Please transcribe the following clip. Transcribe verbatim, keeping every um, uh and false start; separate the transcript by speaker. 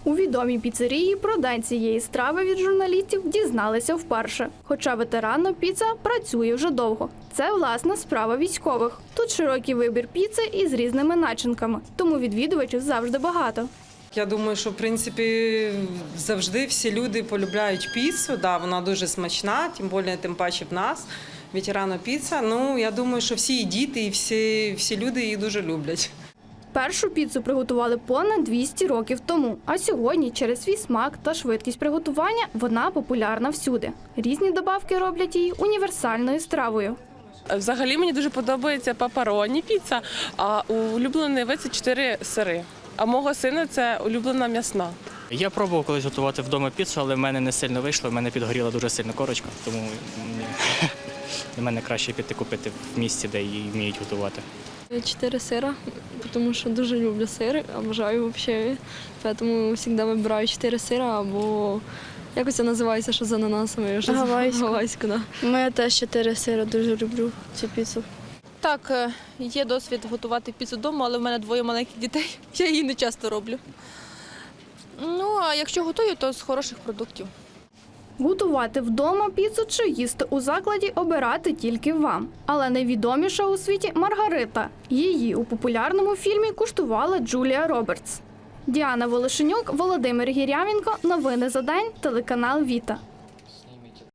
Speaker 1: У відомій піцерії про день цієї страви від журналістів дізналися вперше. Хоча ветеранна піца працює вже довго. Це, власна, справа військових. Тут широкий вибір піци із різними начинками, тому відвідувачів завжди багато.
Speaker 2: Я думаю, що в принципі завжди всі люди полюбляють піцу. Да, вона дуже смачна, тим більше, тим паче в нас. Ветерана піца. Ну, я думаю, що всі і діти, і всі, всі люди її дуже люблять.
Speaker 1: Першу піцу приготували понад двісті років тому, а сьогодні через свій смак та швидкість приготування вона популярна всюди. Різні добавки роблять її універсальною стравою.
Speaker 3: Взагалі мені дуже подобається пеппероні піца, а улюблений вид – це чотири сири. А мого сина – це улюблена м'ясна.
Speaker 4: Я пробував колись готувати вдома піцу, але в мене не сильно вийшло, в мене підгоріла дуже сильно корочка, тому для мене краще піти купити в місці, де її вміють готувати.
Speaker 5: Чотири сира, тому що дуже люблю сир, обожаю взагалі. Тому завжди вибираю чотири сира або якось це називається, що з ананасами.
Speaker 6: Гавайську.
Speaker 5: Гавайську, да.
Speaker 6: Ми теж чотири сира, дуже люблю цю піцу.
Speaker 7: Так, є досвід готувати піцу вдома, але в мене двоє маленьких дітей, я її не часто роблю. Ну, а якщо готую, то з хороших продуктів.
Speaker 1: Готувати вдома піцу чи їсти у закладі обирати тільки вам. Але найвідоміша у світі Маргарита. Її у популярному фільмі куштувала Джулія Робертс. Діана Волошенюк, Володимир Гірявенко. Новини за день. Телеканал Віта.